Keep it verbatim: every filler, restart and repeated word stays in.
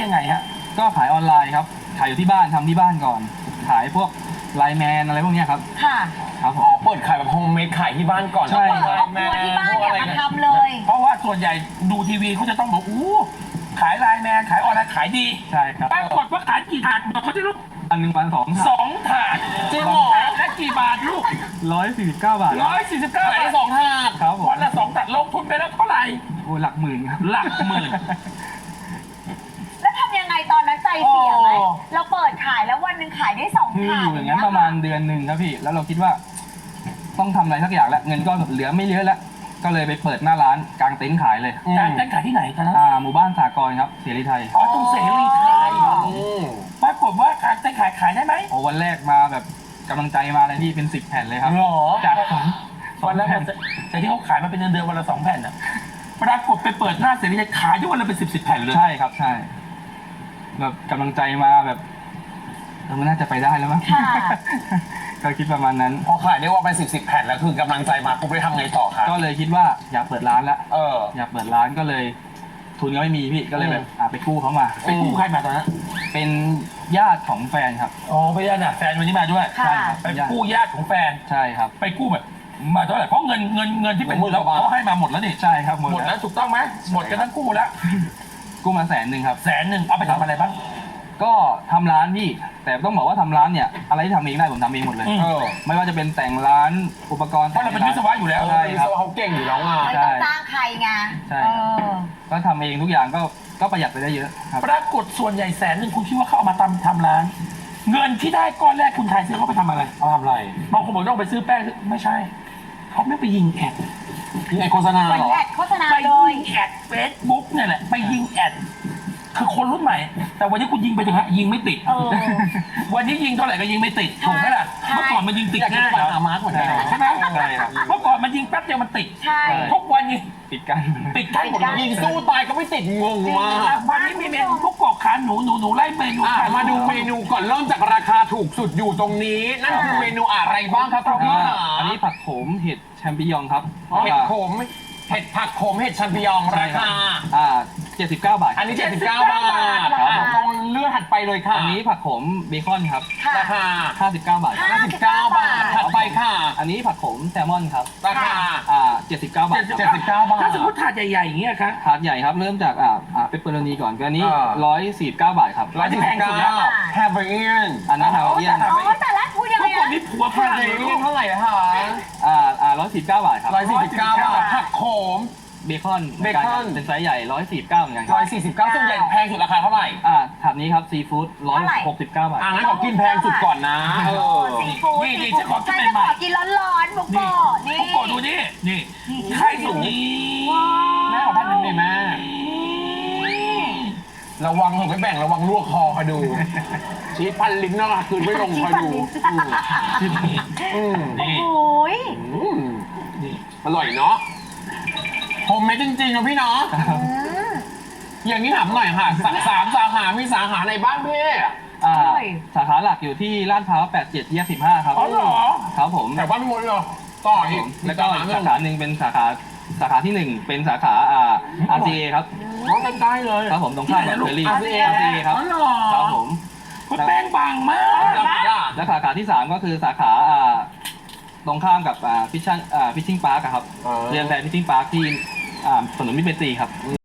ยังไงฮะก็ขายออนไลน์ครับขายอยู่ที่บ้านทำที่บ้านก่อน ขายพวกไลน์แมนอะไรพวกนี้ครับค่ะครับผอ๋อมเปิดขายแบบโฮมเมดขายที่บ้านก่อนใช่เปิดครอบครัวที่บ้านเนี่ยมาทำเลยเพราะว่าส่วนใหญ่ดูทีวีเขาจะต้องบอกอู้ขายไลน์แมนขายออนไลน์ขายดีใช่ครับปรากฏว่าขายกี่ถาดบอกเขาจะลูกอันหนึ่งวันสองสองถาดจริงเหรอและกี่บาทลูกร้อยสี่สิบเก้าบาทร้อยสี่สิบเก้าขายบาได้ทสองถาดครับผมวันละสองถาดลงทุนไปแล้วเท่าไหร่โอ้หลักหมื่นครับหลักหมื่นแล้วทำยังไงตอนนั้นใจเสียไหมโอ้เราเปิดขายแล้ววันหนึ่งขายได้สองคือถาอดยู่อย่างนั้นประมาณเดือนหนึ่งครับพี่แล้วเราคิดว่า ต้องทำอะไรสักอย่างแล้วเงินก็เหลือไม่เยอะแล้วก็เลยไปเปิดหน้าร้านกางเต็นท์ขายเลยการเต้นขายที่ไหนตอนนั้นอ่าหมู่บ้านสากรณ์ครับเสรีไทยอ๋อตรงเสรีไทยอืมปรากฏว่าการเต้นขายขายได้ไหมโอ้วันแรกมาแบบกำลังใจมาเลยพี่เป็นสิบแผ่นเลยครับหรอจากสองสอวันงละแผ่นแต่ที่เขาขายมาเป็นเดือนเดือนวันละสองแผ่นอ่ะปรากฏไปเปิดหน้าเสรีไทยขายได้วันละเป็นสิบสิบแผ่นเลยใช่ครับใช่แบบกำลังใจมาแบบเราน่าจะไปได้แล้วมั้งค่ะก็คิดประมาณนั้นพอขายได้ว่าไปสิบสิบแผ่นแล้วคือกำลังใจมาปุ๊บไปทำไงต่อคะก็เลยคิดว่าอยากเปิดร้านละเอออยากเปิดร้านก็เลย ทุนก็ไม่มีพี่ก็เลยแบบอ่ะไปกู้เขามาไปกู้ใครมาตอนนั้นเป็นญาติของแฟนครับอ๋อไปญาติน่ะแฟนวันนี้มาด้วยค่ะใช่ครับไปกู้ญาติของแฟนใช่ครับไปกู้แบบมาเท่าไหร่เพราะเงินเงินเงินที่เป็นเราเขาให้มาหมดแล้วนี่ใช่ครับหมดหมดแล้แล้ว วถูกต้องไหมหมดกันทั้งคู่แล้วกู้มาแสนหนึ่งครับแสนหนึ่งเอาไปทำอะไรบ้างก็ทำร้านพี่แต่ต้องบอกว่าทำร้านเนี่ย อะไรที่ทำเองได้ผมทำเองหมดเลยอืมเออไม่ว่าจะเป็นแต่งร้านอุปกรณ์เพราะเราเป็นวิศวะอยู่แล้วใช่วิครัศบวะเขาเก่งอยู่แล้วไงไม่ต้องจ้างใครไงใช่เออก็ทำเองทุกอย่างก็ก็ประหยัดไปได้เยอะครับปรากฏส่วนใหญ่แสนหนึ่งคุณคิดว่าเขาเอามาทำทำร้าน เงินที่ได้ก้อนแรกคุณทายซื้อเขาไปทำอะไรเขาทำอะไรบางคนบอกต้องไปซื้อแป้งไม่ใช่เขาไม่ไปยิงแอดยิงไอโฆษณาไปเหรอแอดโฆษณาไปเลยิยงแอดเฟซบุ๊กเนี่ยแหละไปยิงแอดคือคนรุ่นใหม่ แต่วันนี้คุณยิงไปเถอะฮะยิงไม่ติดเออวันนี้ยิงเท่าไหร่ก็ยิงไม่ติดถูกไหมล่ะใช่เมื่อก่อนมันยิงติดอยากจะง่ายไปหามาร์คเหมือนกันใช่ไหมใช่ครับเมื่อก่อนมันยิงแป๊บเดียวมันติดใช่ทุกวันนี้ปิดกันติดใกล้หมดเลยยิงสู้ตายก็ไม่ติดงงมากวันนี้มีเมนูพวกกรอกขาหนูหนูหนูไล่เมนูอ่ะขยมาดูเมนูก่อนเริ่มจากราคาถูกสุดอยู่ตรงนี้ นั่นคือเมนูอะไรบ้างครับคุณพี่อ่าขาอันนี้ผักโขมเห็ดแชมปิญองครับเห็ดโขมเห็ดผักโขมเห็ดชัมปิญองราคาอ่าเจ็ดสิบเก้าบาทอันนี้ เจ็ดสิบเก้า บาทครับอ่ะตรงเลื่อนถัดไปเลยค่ะอันนี้ผักโขมเบคอนครับค่ะราคาห้าสิบเก้าบาทห้าสิบเก้าบาท ถัดไปค่ะอันนี้ผักโขมแซลมอนครับราคาอ่าเจ็ดสิบเก้าบาทเจ็ดสิบเก้าบาทถ้าสมมติถาดใหญ่ๆอย่างเงี้ยครับถาดใหญ่ครับเริ่มจากอ่าอ่าเปปเปอโรนีก่อนก็อันนี้อ่าร้อยสี่สิบเก้าบาทครับร้อยสี่สิบเก้าแฮมเบอร์เอียนอันนั้นฮาวาเอียนอ๋อแต่ละพูดยังเมื่ไงอก่อนนะนี้ผัวฝแฮมรั่งเบอร์เลยเอีลูยนกเท่าไหร่นะคะอ่าอ่าร้อยสี่สิบเก้าบาทครับร้อยสี่สิบเก้าบาท ผักโขมเบคอนเบคอนเป็นไซส์ใหญ่ร้อยสี่สิบเก้าเหมือนกันคร้รัอบ ยสี่สิบเก้าส่วนใหญ่แพงสุดราคาเท่าไหร่อ่าถาดนี้ครับซีฟู้ดร้อยหกสิบเก้าบาทอ่ะงั้นขอกินแพงสุดก่อนนะเออซีฟู้ดนี่นี่ซีจะขอฟู้ดกินใช่จะใหม่ขอกินร้อนๆบุกโกะนี่พวกโกดูนี่นี่ไข่สุกนี้แม่ขอแป๊บนึงดิแม่ ระวังผมไม่แบ่งระวังลวกคอคอยดู ชีสพันลิ้นนะคืนไม่ลงคอยดูอืมนี่โอ้ยอืมนี่อร่อยเนาะโฮมเมดจริงๆนะพี่เนาะอืมอย่างนี้ถามหน่อยค่ะสาสามสาขา มีสาขาในบ้านพี่อ่าอร่อยสาขาหลักอยู่ที่ลาดพร้าวแปดสิบเจ็ดแยกสิบห้าครับอ๋อเหรอครับผมแต่บ้านพี่มดเหรอต่ออีกแล้วก็สาขาหนึ่สาง ขาหนึ่งเป็นสาขาสาขาที่หนึ่งเป็นสาขาอ่า อาร์ ซี เอ ครับน้องใกล้ๆเลยครับผมตรงข้ามกับเฟอรี่อาอาร์ร์ซีซีเอเอครับอ๋อเหรอครับผมคุณแป้งบางมากราคาล่ะและสาขาที่สามก็คือสาขาอ่าตรงข้ามกับอ่าฟิชชั่นอ่าฟิชชิ่งพาร์คครับอ๋อเรียนแพรฟิชชิ่งพาร์คที่อ่าถนนมิตรเมตรีครับ